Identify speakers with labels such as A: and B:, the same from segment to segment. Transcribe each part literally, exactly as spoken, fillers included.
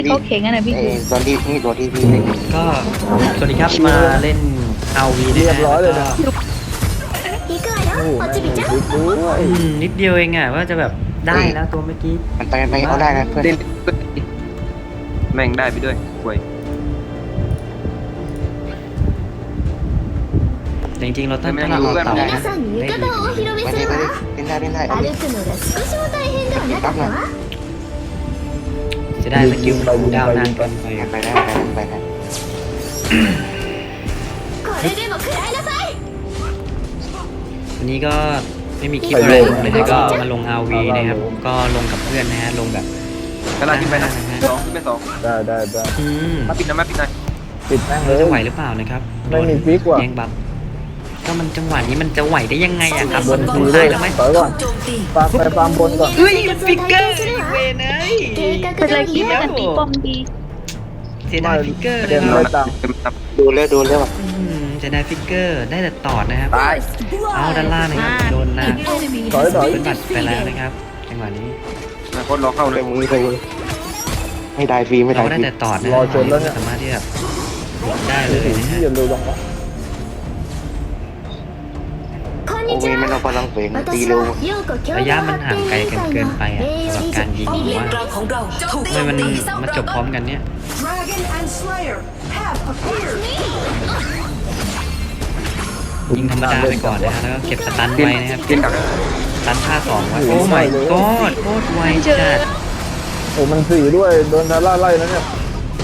A: เขาเข่งกันนะพี่
B: เอ
A: กู
B: อตอนที่นี่ตัวที่พี่เล่น
C: ก็สวัสดีครับมาเล่นเอาวี
D: เรียบร้อยเลยนะ โอ้โหแม่งมีคลิปด้วย
C: นิดเดียวเองอ่ะว่าจะแบบได้แล้วตัวเมื่อกี้
B: มันไปไปเอาได้นะเพื่อน
E: เล่นแม่งได้ไปด้วยห่วย
C: จริงๆเราต้องถ้าเราเอาเต่านะ
F: 皆さんに浴衣をお披露目
B: ไป
F: す
B: เลย
F: る
B: ไป
F: わ
B: เลยเล่นได้เล่นได้เอา
F: 歩
B: ดิ
F: くのが少しも大変ではなかったわ
C: จะได้สกิลคูลดาวน์นานเกินไป
B: ไปได้ไปได้ไปได้
F: これでも食らいなさい
C: วันนี้ก็ไม่มีคลิปอะไรลงเลยนะก็มาลง อาร์ วี นะครับก็ลงกับเพื่อนนะฮะลงแบบ
E: กระลาขึ้นไปนะสองขึ้นไปสอง
D: ได้ได้ได้
C: อืม
E: มาปิดนะมาปิดหน่อย
D: ปิดแม่งเล
C: เรา
D: ย
C: จะไหวหรือเปล่านะครับ
D: ไม่มีฟิกว่ะ
C: แย่งบัฟก็มันจังหวะนี้มันจะไหวได้ยังไงอะครับ
D: บบ น
C: น
D: ที
C: ตา
D: เลย ย
C: แล้วไหม
D: ถอยก่อนฟาร์มไปฟาร์มบนก่อน
C: เฮ้ยฟิกเกอร์เวนเอ้ย
A: เป็นไรคิดว่ากันตีป้อมดี
C: เสียดายฟิกเกอร์เล
D: เต็
C: ย
D: ม
C: ค
D: เล
C: รับ
D: ยตังค์
E: เต็มตับ
B: ดูเร็วดูเร็ว
C: อืมเสียดายฟิกเกอร์ได้แต่ตอดนะครับ
E: ตาย
C: เอาด้านล่างนะครับโดนหน้า
D: ถอยถอย
C: เป็นบัตรไปแล้วนะครับจังหวะนี้
E: นะโคตรรอเข้าเล
B: ไป
E: ย
B: มือไปมือไม่ได้ฟรีไม่ได้
C: เรา
B: ฟ
C: ได้
B: รี
C: แต่ตอดนะ
D: รอชนแล้วเนี่ย
C: สามารถที่แบบหลบได้เลยนะฮะ
D: ที่จะดูลงวะ
F: こん
B: โอ
F: に
B: เว
F: ち
B: นมัน
F: は
B: เอาพลังเสียงตี
F: 私
B: เร็ว
F: は陽子共
C: ระ
F: 同
C: ยะมัน
F: 発
C: ห่าง
F: 展
C: ไกล
F: 委員
C: กัน
F: 会
C: เกิน
F: の
C: ไปอ่ะ
F: 名誉
C: สำหรับ
F: 理
C: การ
F: 事
C: ยิงผมว่า
G: ของเราถูก
C: ทำไมมันมาจบพร้อมกันเนี่ย
G: Dragon and Slayer have appeared
C: ยิงธรรมดาไปก่อนนะฮะแล้วก็เก็บสตันไว้นะครับ
E: เล่นกับ
C: สตันท่าสองไว้โอ้ my god โคตรไวจัด
D: โอ้มันสี่ด้วยโดนทาร่าไล่แล้วเนี่ย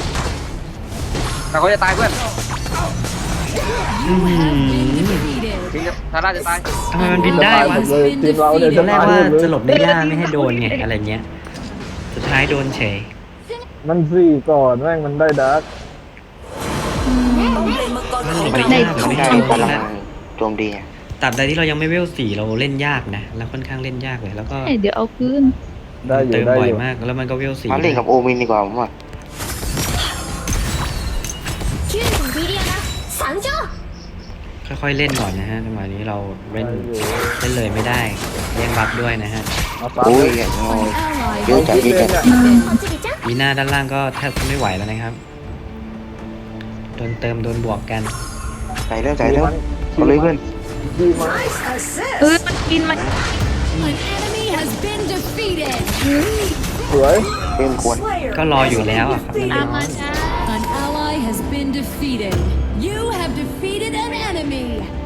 E: แต่เขาจะตายเพื่อน
C: อื้อหือ
E: ทีนี้ทาร่าจะตาย
C: ทำไมมันบินได้วะ
D: หมดเลยทีมเราเนี่ย
C: ต
D: จะ
C: อนแร
D: ตาก ย
C: ว่า
D: หมดเลย
C: จะหลบในหญ้าไม่ให้โดนไงอะไรเงี้ย สุดท้ายโดนเฉย
D: มันสี่ก่อนแม่งมันได้ดาร์ก
C: มันหลบในห
A: ได้
C: ญ้าแบบ
B: ไม่
C: ไม่
B: ได้
C: ให้โด
B: พ
C: น
B: ลัง
C: นะ
B: โจมดี
C: ตราบใดที่เรายังไม่เวลสี่เราเล่นยากนะเราค่อนข้างเล่นยากเลยแล้วก็
A: เดี๋ยวเอาคืน
D: ได้อยู่
C: เติม
D: ได้
C: บ่อ
D: อย ยู่
C: มากแล้วมันก็เวลสี่
B: มาเล่นกับโอมินดีกว่าผมว่า
F: キューンビリアナ参上
C: ค่อยๆเล่นก่อนนะฮะจังหวะนี้เราเล่น
D: ได้อยู่
C: เล่นเลยไม่ได้แย่งบัฟด้วยนะฮะ
D: มาฟาร์ม
B: โอ้ย
D: เลย
B: เยอะจัดเยอะจัด
F: おちびちゃん
C: วีหน้าด้านล่างก็แทบไม่ไหวแล้วนะครับโดนเติมโดนบวกกัน
B: ใส่เร็วใส่เร็วเอาเลยเพื่อน
D: ดีมาก
G: Nice assist
A: เออมันกินมัน
H: An enemy has been defeated.
D: สวย
B: เริ่มควร
G: Slayer
C: ก็รออยู่แล้วอะครับ
A: ตามมาจ้า
H: An ally has been defeated. You have defeated an enemy.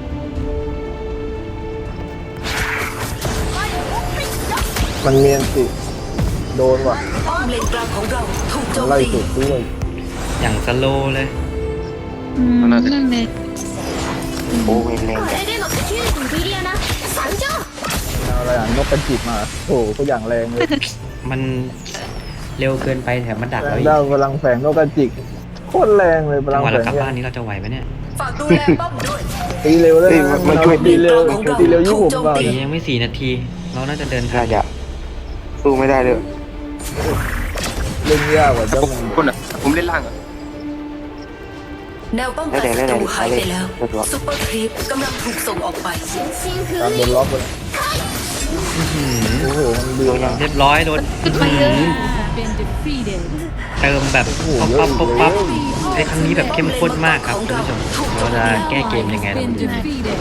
D: มันเมียนสิโดนว่ะ
G: ป้อมเลนกลางของเราถูกโจม
D: ไล่
G: ตี
D: สุดด้วย
C: อย่างสโลว์เลย
A: อืมนั่นเลย
B: โอเวนแรง
F: こ
B: จัด
F: れでもキューンビリアナ参上
D: เอาอะไรอ่ะนกกระจิบมาโอ้โหตัวอย่างแรงเลย
C: มันเร็วเกินไปแถมมันดัก
D: แร
C: เรา
D: ง
C: อีก
D: ด้าวพลังแฝงนกกระจิกโคตรแรงเลยพ
C: จั
D: ลั
C: ง
D: ง
C: หวะ
D: แฝ
C: เรา
D: ง
C: กลับ
D: เนี่ย
C: บ้านนี้เราจะไหวไหมเนี่ย
G: ฝากดูแลป้อมด้วย
D: ตีเร็วเลยนะมันช่วยตีเร็วตีเร็วยิ่งผมก่อน
C: ตียังไม่สี่นาที เราน่าจะเดินทา
B: น่าง จะสู้ไม่ได้เลย
D: เล่นยากกว่าเจ้า
E: ผม
D: มัน
E: คนอ่ะผมเล่นล่างอ่ะ
G: แนวป้อง
B: แล้
G: กั
B: วน แต่
G: ศั
B: แล้ว
G: ต
B: แต่
G: รูหาย
B: เล
G: ไป
B: ย
G: แล้ว
B: แล้วตัว
G: ซุปเปอร์ครีปกำลังถูกส่งออกไป
F: 新進封
D: ตามโดน
F: 印
D: ล็อกเลยโอ้โหมันเดือดยัง
C: เรียบร้อยโดน
A: ขึ้นไปเลย
H: Been defeated.
C: เติมแบบปั๊บปั๊บปั๊บปั๊บไอ้ครั้งนี้แบบเข้มข้นมากครับคุณผู้ชมเราจะแก้เกมยังไงเรา
H: Been
C: ดู
H: defeated.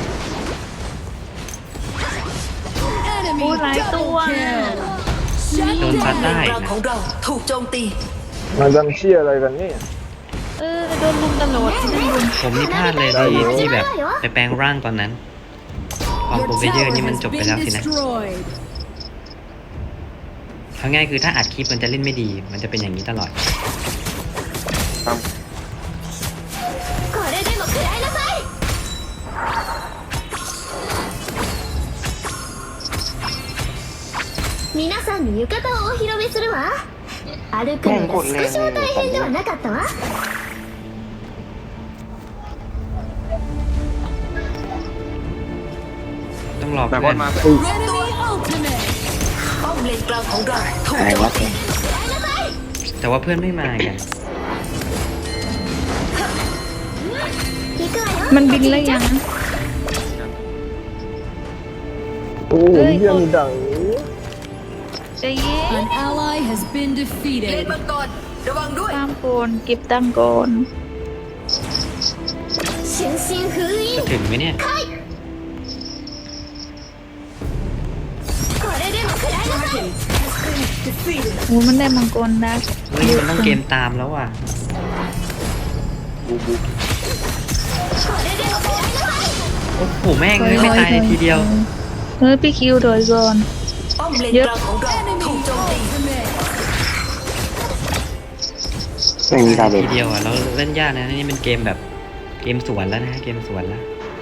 A: โอ้
H: Enemy
A: หลายตัว
H: double kill. Shut
C: โดนซัด
G: เล
C: ได้
G: นกลาง
C: นะ
G: ของเราถูกโจมตี
D: มันกันเชี่ยอะไรกันนี่
A: เออโดนลุมตลอดที่นั่นลุม
C: ผมนี่พลาดเลยที่ที่แบบไปแปลงร่างตอนนั้น ความ
H: Your
C: โปรเฟเยอร์
H: tower
C: นี่มัน
H: has
C: จบไป
H: been
C: แล้วสินะ
H: destroyed.
C: เอาง่ายคือถ้าอัดคลิปมันจะเล่นไม่ดี มันจะเป็นอย่างนี้ตลอด
F: これでも食らいなさい皆さんに浴衣をお披露目するわ歩くのが少しも大変ではなかったわ
C: ต้องรอ
E: แต่
C: เพื่
E: ก็
C: อน
E: มา
H: Enemy ultimate.
G: ป้อมเลนกลางของเราถูก
B: อะไร
G: โจม
B: วะ
G: ตี
C: แต่ว่าเพื่อนไม่มากัน
F: 行くわよ
A: มันบินแล้วยัง
D: โอ้โหเยี่ยมดัง
A: ใจเย็น
H: An ally has been
G: เลน
H: defeated.
G: มังกรระวังด้วย
A: ตามโกนเก็บตังโกน
F: 春心封印
C: จะถึงไหมเนี่ย
F: これでも食らいなさい
A: โอ้มันได้มังกรดัก
C: เฮ้ยมันต้องเกมตามแล้วว่ะ
E: บูบู
F: これでも食らいなさい
C: โอ้โหแม่งเลยไม่ตายในทีเดียว
A: เฮ้ยพี่คิวโดยก่อน
G: ป้อมเลน
A: เยอะ
G: กลางของเราถูกโจมตี
B: ไม่มีดาเมจ
C: ทีเดียวอ่ะเราเล่นยากนะนี่เป็นเกมแบบเกมสวนแล้วนะเกมสวนแล้ว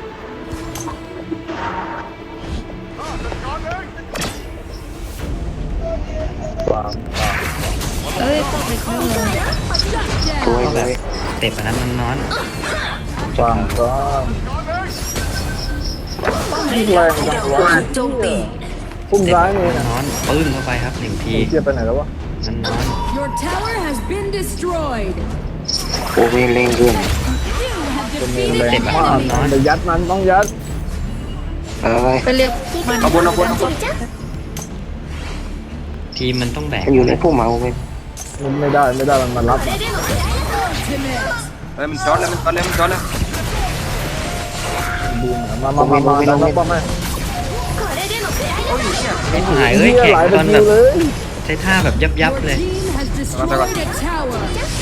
A: เอ้ยต้องไปเข้าเลย
B: สวยเลย
C: เตะปะนั้นมันนอน
I: ฟังก็
G: ป้อมเลนกลางของเราถูกโจมตี
I: พุ่มซ้ายนี่นะ
C: นอนปึ้งเข้าไปครับหนึ่งที
I: เกียร์ไปไหนแล้ววะ
C: มันนอน
H: Your tower has been destroyed.
B: โอเวนเร่งขึ้น
I: เป็นเมนแรงมากมันจะยัดมันต้องยัด
B: อะไร
A: ไปเรียกมัน
E: เอาบนเอาบนเอาบน
C: ทีมมันต้องแบก
B: มันอยู่ในพุ่มมาโอเวน
I: มันไม่ได้ไม่ได้มันมารับ
E: เฮ้ยมันช็อตแล้วมันช็อตแล้วมันช็อตแล้ว
I: บูมมามามามาแล้วป้อมไหม
C: ไม่หายเอ้ย
I: เหี้ย
C: แข่ง
I: หลาย
C: ต
I: ตะ
C: อน
I: คิ
C: แบ
I: ว
C: บ
I: เลย
C: ใช้ท่าแบบยับยับ
H: Your
C: เลย
H: team has destroyed a tower.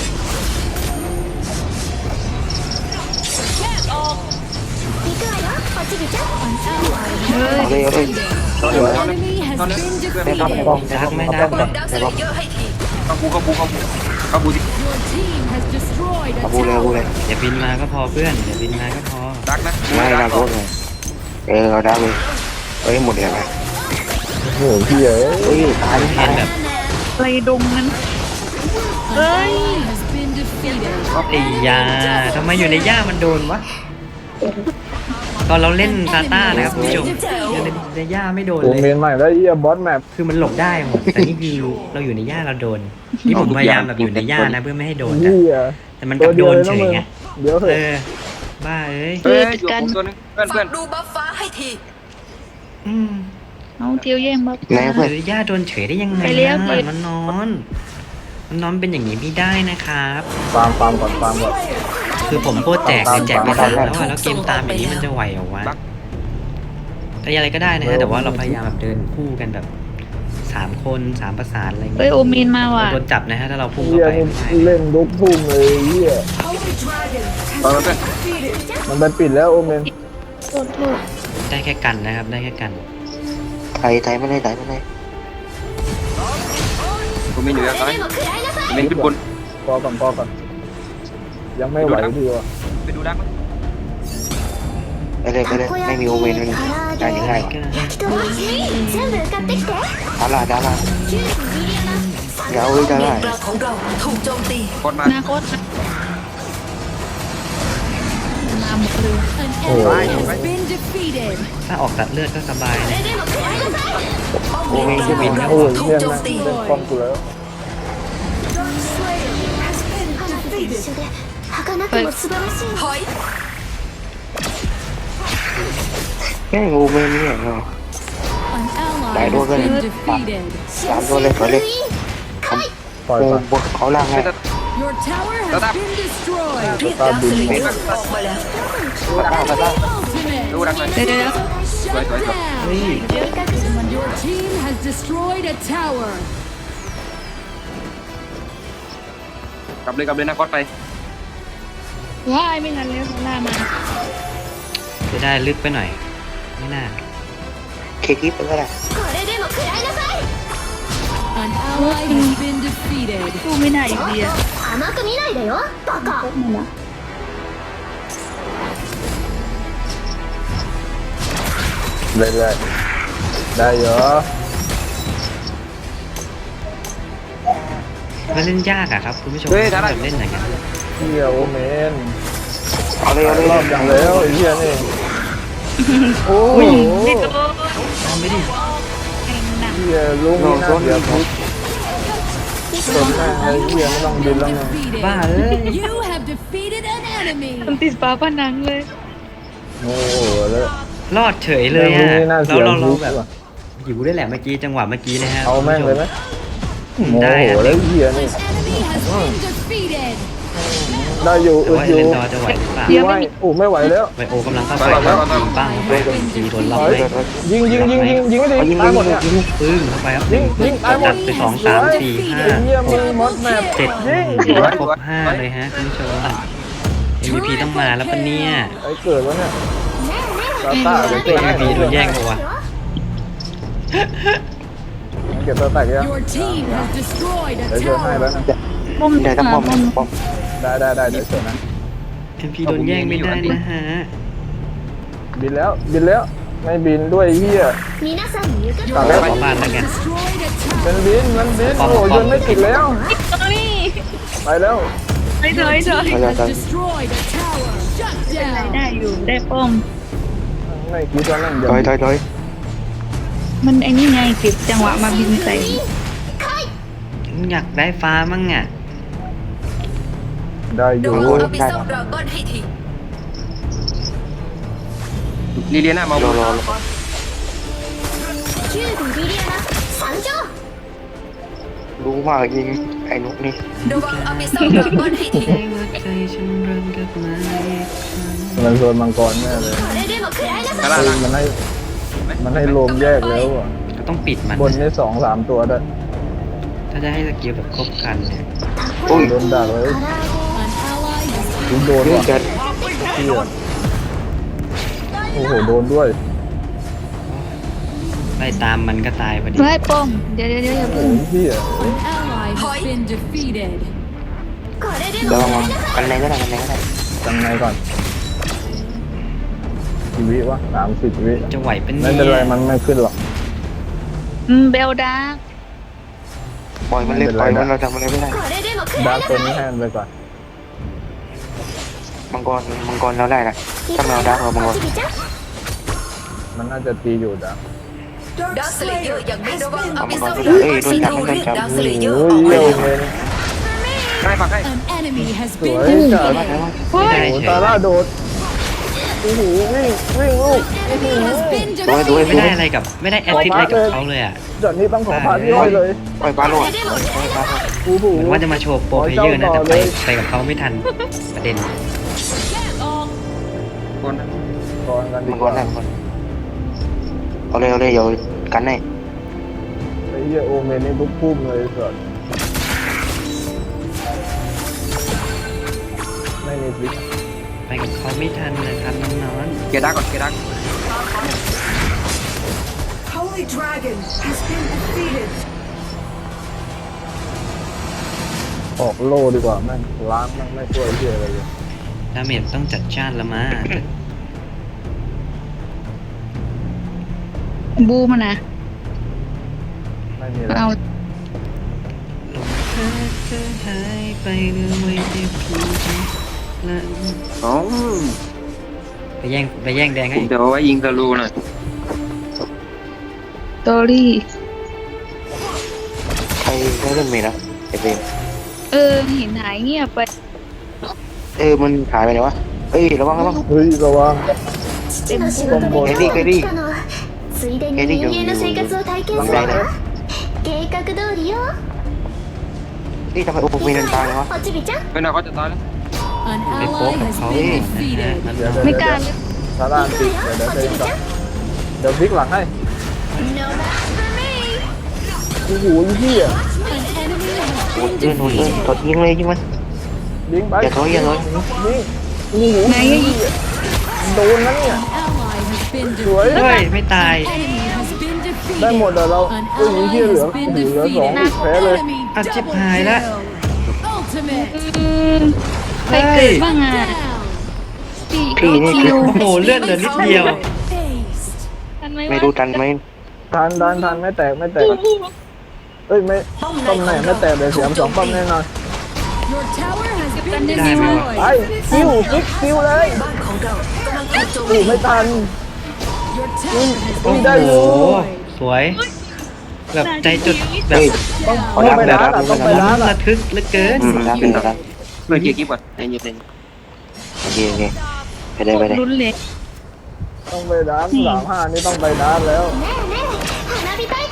F: 行くわよおちびちゃん
B: เอาเลยเอาเลย
E: ช็อตเลยช็อตเลย
H: Enemy has been
B: ได้ครับ
H: defeated.
B: ป้อม
C: ดักไม่ได้
G: ป้อมดักสเลเยอร์ให้ที
E: เข้าบูเข้าบูเข้าบูเข้าบูดิ
H: Your team has destroyed a
B: เอาบูเลยเอาบูเลย
H: tower.
C: อย่าบินมาก็พอเพื่อนอย่าบินมาก็พอ
E: ดักนะ
B: ไม่ดาโคตรเลยเออเอาดาเลยเอ้ยหมดเลยไหม
I: โอ้โหพี่เอ๋
B: เฮ้ยตาย
C: เห็นแบบ
A: ไรดงนั้น
H: An ally has been defeated.
C: ไอ้ยาทำไมอยู่ในหญ้ามันโดนวะตอนเราเล่นซาต้านะครับคุณผู้ชมอยู่ในในหญ้าไม่โดน
I: โอ
C: เล
I: เม
C: ย
I: นใหม่แล้วเหี้ยบอสแมป
C: คือมันหลบได้หมดแต่นี่คือเราอยู่ในหญ้าเราโดนนี่ผมพยายามแบบอยู่ในหญ้านะเพื่อไม่ให้โดนแต่
I: เหี้ย
C: แต่มันกลับโดนเฉยไง
I: เดี๋ยวเถ
C: เอ
I: อะ
C: อบ้าเอ้ย
E: เฮ้ยอยู่ผมตัวนึงเพื่อน
G: ฝา
E: เพื่อน
G: กดูบัฟฟ้าให้ที
C: อืม
A: เอาเทียวแย่งบัฟ
B: แม่เพื่อน
C: หรือย่าโดนเฉยได้ยังไง
A: ไปเลี้ยว
C: นะ
A: ผิด
C: มันนอนมันนอนเป็นอย่างนี้ไม่ได้นะครับ
I: ฟาร์มฟาร์มก่อนฟาร์มก่อน
C: คือผมโคตรแจกเลยแจกไปสามแล้วอะแล้วเกมตามอย่างนี้มันจะไหวเหรอวะแต่อะไรก็ได้นะฮะแต่ว่าเราพยายามแบบเดินคู่กันแบบสามคนสามประสานอะไรอย่าง
A: เอ้ย
C: เงี้ย
A: โอมีนมาว่ะ
C: โดนจับนะฮะถ้าเราพุ่งเข้า
I: เหี้ย
C: ไป
I: นี่
C: ไม่ได้
I: เล่นลุกทุ่มเลยเหี้ย
E: ตอนนั้นเพื่อน
I: มันไปปิดแล้วโอเมน
A: โทษโทษ
C: ได้แค่กันนะครับได้แค่กัน
B: ไทยไทยไม่ได้ไทยไม่ได้
E: ผมมีอยู่แล้วตอนนี้ผมเป็นขึ้นบน
I: พอก่อนพอก่อนยังไม่ไหวดีว่ะ
E: ไปดูดัก
B: ไปเลยไปเลยไม่มีโอเวนมันได้ยังไง
C: ก็
F: 人たち全部買ってきて
B: ดาราดารา
F: キューティーミリアナ
B: เดี๋ยวเอาไว้ดา
G: เล
B: ราน
G: กลางของเราถูกโจมตี
E: กดมา
A: หน้าโคตรมาหมดเลย
H: An enemy has been defeated.
C: ถ้าออกตัดเลือดก็สบายนะ
G: ป้อมเลนกลางของเรา
I: โอ้ย
G: ถูก
I: เหี้ย
G: โจ
I: แม่
G: ม
I: ง
G: ตี
I: เล่นป้อมกูแล้ว
F: 花火と一緒で儚くも素晴らしい
G: ถอย
B: แม่งโอเวนเนี่ยเนาะ
H: An ally
B: Đại đua
H: has
B: cái
H: been
B: này.
H: defeated.
B: สามตัวเลยถอยเลย
I: ปล่อย
B: โอ้
I: ก่อน
B: บนเขาล่างไง
H: Your tower has been destroyed.
G: เรียกดักสเลเยอร์ออกมาแล้ว
B: ตาตาตา
H: Ultimate.
E: ดูดักหน่อย
A: เดี๋ยวเดี๋ยว
H: Shut down.
C: เฮ้ย
H: Your team has destroyed a tower.
E: กลับเลยกลับเลยนะก๊อตไป
A: ว้ายไม่ทันแล้วล่ามา
C: จะได้ลึกไปหน่อย ไม่น่า
B: เคคิปไปก็ได้
F: これでも食らいなさい
H: An ally has been defeated.
A: สู้ไม่ได้อีกดีอะ
F: 甘く見ないでよバカ
A: ไม่ละ
I: เลยเลยได้เหรอ
C: มันเล่นยากอะครับคุณผู้ชม
E: เฮ้ยได้ได้
C: แบบเล่นอย่างนั้น
I: เหี้ยโอเมน
B: เอาเลยเอาเลย
I: รอบอย่างแล้วไอ้เหี้ยนี่โอ้โห
A: ไม่โดน
C: เอาไม่ดิ
A: แข่งหนัก
I: เหี้ยลุงนี่น่าเสียทุกต้นแม่งไอ้เหี้ยไม่ต้องบินแล้วไง
C: บ้า
H: Defeated.
C: เอ้ย
H: You have defeated an enemy.
A: มันติดฝาผนังเลย
I: โอ้โหแล้ว
C: รอดเฉยเลย
I: ลุง
C: อะ
I: นี่น่า
C: แล้
I: เสี
C: วย เราเรา
I: ทุก
C: แบบ
I: ว่ะ
C: หิวได้วยแหละเมื่อกี้จังหวะเมื่อกี้นะฮะ
I: เอาแม่งเลยไหม
C: ผ
I: โม
C: ได้
I: โห
C: อะ
I: แล้วเฮียนี่
H: Enemy has been defeated.
I: ได้อยู่
C: แต่
I: อึด
C: ว่า
I: อ
C: เอยู่ เลนดอร์จะไหวหรือเปล่า
A: เดี๋ยว
I: ไม่โอ้ไม่ไหวแล้ว
C: ไวโอกำลังเข้าไปครับยิงปั้งเข้าไปจีโดนล็อก
I: ถอย
C: เลย
I: ยิงยิงยิงยิงยิงไม่ดี
B: เอายิง
I: ตายหมดเนี่ย
B: ยิง
C: ปึ้งเข้าไปครับ
I: ยิงยิงตายหม
C: จั
I: ด
C: ดไปสองสามสี่ห้า
I: ไอ้เหี้ย
C: ห
I: มึ
C: ก
I: งมดแมป
C: เจ็ด
I: ยิง
C: ถือว่าครบห้าเลยฮะคุณผู้ชม เอ็ม วี พี ต้องมาแล้วปะเนี่ย
I: ไอ้เกิดวะเนี่ยตาตาเดี๋ยวเกิด
C: เอ็ม วี พีโดนแย่งปะวะ
I: เก็บตัวแตกยัง
H: Your team has destroyed
I: เดี๋ยว
H: a
I: เจอให้แล้ว
H: tower.
I: นะ
A: ป้อม
B: เดี๋ยวต้องป้อม
A: ป้อม
B: ป้อม
I: ได้ได้ได้เดี๋ยวเจอนะ
C: เอ็ม พี โดนแย่งไม่ได้นะฮะ
I: บินแล้วบินแล้วไม่บินด้วยเฮีย
F: 皆さん浴
C: ขอ
F: 衣
C: ขอบ้านแล้วกัน
H: Destroyed a
I: มัน
H: tower.
I: บินมันบิน
C: ป้อม
I: โอ้
C: ป้อม
I: ยนไม่ติดแล้ว
A: ตรงนี้
I: ไปแล้ว
A: ถอยถอยถอย
B: เอาเลย
H: Has destroyed a tower. Shut
A: ได้
H: down.
A: อยู่ได้ป้อม
I: ไม่คิดว่านั่ง
B: ถอยถอยถอย
A: มันไอ้นี่ไงเก็บจังหวะมาบินใส่
C: อยากได้ฟ้ามั่งอ่ะ
I: ได้อ
G: ระ
I: ยู่
G: วังเอาไปซ่อมดราก้อนให้ที
E: ลิเลียนามา
B: ร
E: บ
B: อน รอรอ
F: キュービリリアナ参上
B: รู้มากยิงไอ้นกนี่
G: ระวังเอาไปซ่อมดราก้อนให้ที
C: ให้หัวใจฉันเริ่มกลับมาอีกครั้ง
I: มันโซนมังกรแน่เลย
F: これでも食らいなさい
E: กระลา
I: เฮ้
E: ลั
I: ย
E: ง
I: มันให้มันให้รวมแยกแล้วอ่ะ
C: ก็ต้องปิดมัน
I: บนนี่สองสามตัวด้วย
C: ถ้าจะให้สกิลแบบครบครันเนี่ย
B: โอ้ย
I: โดนดักเลย
H: An ally has
I: ยิงโดน
B: นี่
I: ว่ะ
B: จะ
I: เฮียโอ้โหโดนด้วย
C: ไล่ตามมันก็ตายพอดี
A: เฮ้ยป้อมเดี๋ยวเดี๋ยวเดี๋ยวอย่า
I: โอ้
A: เพึ่ง
I: ยเฮีย
H: an ally has been defeated.
F: これで
B: เดี๋ยว
F: も
B: มากันไหนก็ได้กันไหนก็ได้
I: จังไงก่อนกี่วิวะสามสิบวิ
C: จะไหวเป็น
I: ไม่
C: เนี่
I: เป็นไร
C: ย
I: มันไม่ขึ้นหรอก
A: อืมเบลดาร์ก
B: ปล่อยมันเล่นปล่อยมันเราทำอะไรไม่ได้
F: これでも食
I: ดา
F: ら
I: ร์
F: い
I: ก
F: な
I: ตัว
F: さ
I: นี้
F: い
I: ให้มันไปก่อน
B: มังกรมังกรเราได้นะถ้าเราดักเรามังกร
F: おちびちゃん
I: มันน่าจะตีอยู่ดาร์ก
G: ดาร์คสเลเยอร์ยังไม่ระวังเอาไปซ่อม
B: เอ้
G: ดราก้อย น
B: โดน
G: ซี
B: จับ
G: โท
B: โดน
G: เรียก
B: จับ
G: ดาร์คสเลเยอร์
I: โอ้
G: อย อกไป
I: เยี่ยม
G: แล้ว
I: เลย
E: ให้ปักให้
H: An enemy has
I: สวย
H: been
I: จัด
H: defeated.
A: เฮ้ย
C: ได้
I: โอ้
C: เฉ
I: ตาย ล่าโดดโอ้โหวิ่งวิ่งลูก
H: Enemy has been
B: ด้วยด้วย
H: defeated.
C: ไม่ได้อะไรกับไม่ได้แอสซิสต์อะไรกับเขาเลยอ่ะ
I: จอดนี้ต้องขอพาพี่อ้อยเลย
B: ปล่อยปลาโลดปล่อยปลาโลด
I: โอ้โห
C: เหมือนว่าจะมาโชว์โปรเพลเยอร์นะแต่ไปไปกับเขาไม่ทันประเด็น
E: คนนะ
I: ก่อนกันดี
B: มัง
I: ก
B: กร
I: ว่า
B: ได้มังกรเอาเลยเอาเลยเดี๋ยวกันให้
I: ไอ้เหี้ยโอเมนนี่ปุ๊บพุ่มเลยสัสไม่มีฟิก
C: ไปกับเขาไม่ทันนะครับน้อง
E: เกียร์ดักก่อนเกียร์ดัก
G: Holy Dragon has been defeated
I: ออกโลดีกว่าแม่งล้างแม่งไม่ช่วยเหี้ยอะไรเลย
C: ๆดาเมจต้องจัดจ้านละมา
A: บูมันนะ
I: ไม่มีแล้ว
A: เอา
C: เธอเธอหายไปเหลือไว้แต่เพียงแค่ละ
E: อ๋อ
C: ไปแย่งไปแย่งแดงให้
E: เดี๋ยวเอาไว้ยิงตะลูหน่อย
A: ตอรี่
B: ใครได้เล่นเมย์นะไอเฟรม
A: เออเห็นหายเงียบไป
B: เออมันหายไปไหนวะเอ้ยระวังระวัง
I: เฮ้ยระวัง
F: 父の仕事で
B: エリーエリー
F: 来たのはついでに
B: エリー
F: 人間の生活を体験するわ計画通りよ
B: นี่ทำไมโอ้เมย์มันตายเลยวะ
F: おちびちゃん
E: ไม่น่าเขาจะตายแล้ว
H: An
C: ไปโป๊ก
H: ally
C: กับ
H: has
C: เขา
H: been
C: นะฮะ
H: defeated.
I: เดี๋ยวเดี๋ยว
A: ไม่
I: เดี๋ยว
A: กล้าเลย
I: ซาร่าอันติเดี๋ยวเดี๋ยวเดี๋ยวก่อนเดี๋ยวพลิกหลังให้
F: No match for me
I: โอ้โหเหี้ย
H: An enemy has
B: โอ้ย
H: been
B: เดินโอ้ยเดิน
H: defeated.
B: ถอดยิงเลยยิงมัน
I: ยิงไป
B: อย่าถอยอย่าถอย
I: ยิงโอ้โห
A: ไหนอะยิง
I: โดนนะเนี่ย
H: Ally has been
I: สวย
H: defeated.
C: เฮ้ย ไม่ตาย
H: Enemy has been
I: ได้หมด
H: defeated.
I: แต่เรา
H: An
I: เอ้ยยิง
H: ally
I: เหี้ยเหลือ
H: has been
I: เหลือสอง
H: defeated.
I: แพ้เลย
H: Enemy
C: อ่ะชิบ
H: double
C: หายละ
H: kill. Ultimate
A: อืมใครเกิดบ้างอ่ะ
H: down.
A: พี่
B: พี่นี่
A: คิ
B: คือ
A: ว
C: โอ้โหเลือดเหลือนิดเดียว
H: Aced.
A: ทันไหม
B: ไม่
A: วะ
B: รู้ทันไหม
I: ทันทันทันไม่แตกไม่แตกเอ้ยไม่ป้อมไหนไม่แตกเดี๋ยวเสียมสองป้อมแน่นอน
H: Your tower has been
C: ได้ไหมวะ
I: ไป
H: destroyed.
I: คิวฟิกคิวเลย
G: บ้านของเรากำลังถูกโจม
I: อู้
G: ตี
I: ไม่ทัน
H: Your tower has
I: อุ้ย
H: been
I: ได้อยู่
C: โอ้โหสวย แบบใจจุดแบบ
B: เฮ้ย
I: ต้อง
B: ขอ
I: ต้อง
B: ดัก
I: ไป
B: เดี๋ยว
I: ร้าน
B: ดั
I: อ่ะ
B: ก
I: ต้องไป
B: เดี๋ยวดัก
I: ร้านอ่ะ
C: ระทึกเหลือเกิน
B: อืมดักเป็นดัก
E: เพื่อเกียร์กิ๊บก่อนไอ้เหี้ยเต็ง
B: โอเคโอเคไปได้ไปได้
A: ลุ้นเลย
I: ต้องไปร้านสามห้านี่ต้องไปร้านแล้ว
F: ねえねえ花火大会が始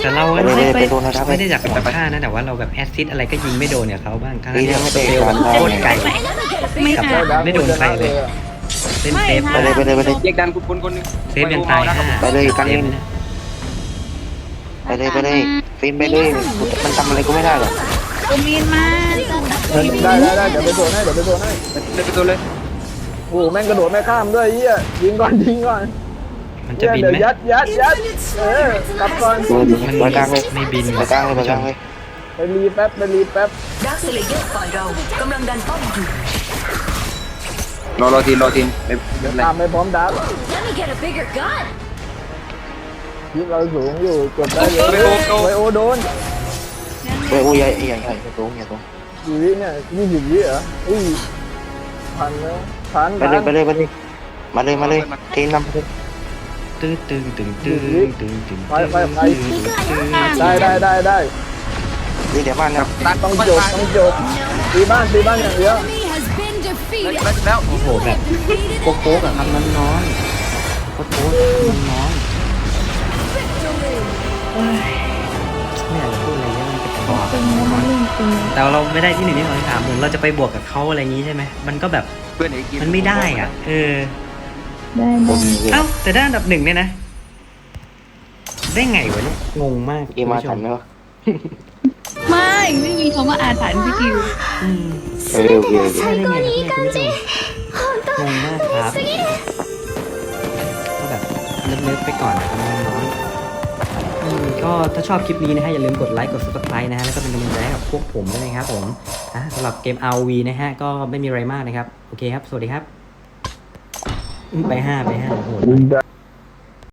C: แต่เรา
B: ไปเลยไปโดนนะ
C: ไม่ได้จากของฆ่านะแต่ว่าเราแบบแอซซิดอะไรก็ยิงไม่โดนเนี่ยเขาบ้างทั้ง
B: นี่
C: ที่
B: ไม่
C: ส
B: ได้
C: เปลมันโคตรไกล
A: ไม่
C: กับ
A: ค่ะ
C: ไม่โดนใครเลย เล่นเซฟ
B: ไปเลยไปเลยไปเลย
E: แยกดันกูคนคนหนึง
C: เซฟยังตายห้า
B: ไปเลยกัน
C: เซ
B: เล่
C: ฟ
B: น
C: นะ
B: ไปเลยไปเลยฟิล์มไปเลยมันทำอะไรก็ไม่ได้หรอก
A: ตัวมีนมา
I: เออได้ได้ได้เดี๋ยวไปโซนให้เดี๋ยวไปโซนให้
E: เดินไปตัวเลย
I: โอ้โหแม่งกระโดดไม่ข้ามด้วยไอ้เหี้ยยิงก่อนยิงก่อน
C: มันจะ
I: เหี้ย
C: บิน
I: เดี๋ยว
C: ไหม
I: ยัดยัดยัดเออกลับก่อน
B: ดูดู
C: มัน
B: ไปกลางเลย
C: ไม่บิน
B: ไปกลางเลยไปกลางเลย
I: ไปรีแป๊บไปรีแป๊บ
G: ดักสเลเยอร์ฝ่ายเรากำลังดันป้อมอยู่
E: รอรอทีมรอทีมไม่ไม่เป็นไร
I: ตามไปพร้อมดับ
F: Let me get a bigger gun
I: ยิงเราสูงอยู่กดได้เลย
E: ไปโอโอ
I: ไวโอโดน
B: ไปโอ้ยใหญ่ใหญ่ใหญ่ตรงอย่าตรง
I: กี่วิเนี่ยยี่สิบวิเหรออุ้ยพันแล้วพัน
B: ไปเลยไปเลยไปเลยมาเลยมาเลยเทนนำไปเลย
C: ตึงตึงตึงตึงตึงตึง
I: ไปไปไปได้ได้ได้ได้
B: นี่เดี๋ยวบ้านนะ
E: ตัด
I: ต้อง
E: ค่อย
I: จบ
E: ตาย
I: ต้องจบตีบ้านตีบ้านอย่างเดียว
H: Enemy has been
E: ได้
H: defeated.
E: แล้ว
C: โอ้โหแบบ
H: Defeated
C: โป๊กๆอะครับน้องๆโป๊กๆอะน้องๆเอ้ยไม่อยากจะพูดอะไรเยอะมันจะกระบอก
A: ตึงแล้วมันเล่นตึง
C: แต่เราไม่ได้ที่หนึ่งที่สองที่สามเหมือนเราจะไปบวกกับเขาอะไรอย่างงี้ใช่ไหมมันก็แบบ
E: เพื่อนไอ้กิน
C: มันไม่ได้อ่ะ เออ
A: ได้
B: ผ
A: ได้
B: ม
C: เอ้าแต่ได้อันดับหนึ่งเนี่ยนะ ได้ไงวะเนี่ยงงมาก
B: เกมมาทันไหมวะ
A: ไม่ไม่มีคำว่าอาถรรพ์พี่คิว
C: อืม
B: เออโอเคโอเค
C: ได้ได้ไงครับเนี่ยคุณผู้ชมงงมากครับก็แบบเลิฟๆไปก่อนนะครับน้องๆอืมก็ถ้าชอบคลิปนี้นะฮะอย่าลืมกดไลค์กด ซับสไครบ์ นะฮะแล้วก็เป็นกำลังใจให้กับพวกผมด้วยนะครับผมอ่ะสำหรับเกม อาร์ โอ วี นะฮะก็ไม่มีอะไรมากนะครับโอเคครับสวัสดีครับอืมไปห้าไปห้าโอ้โห
I: ได้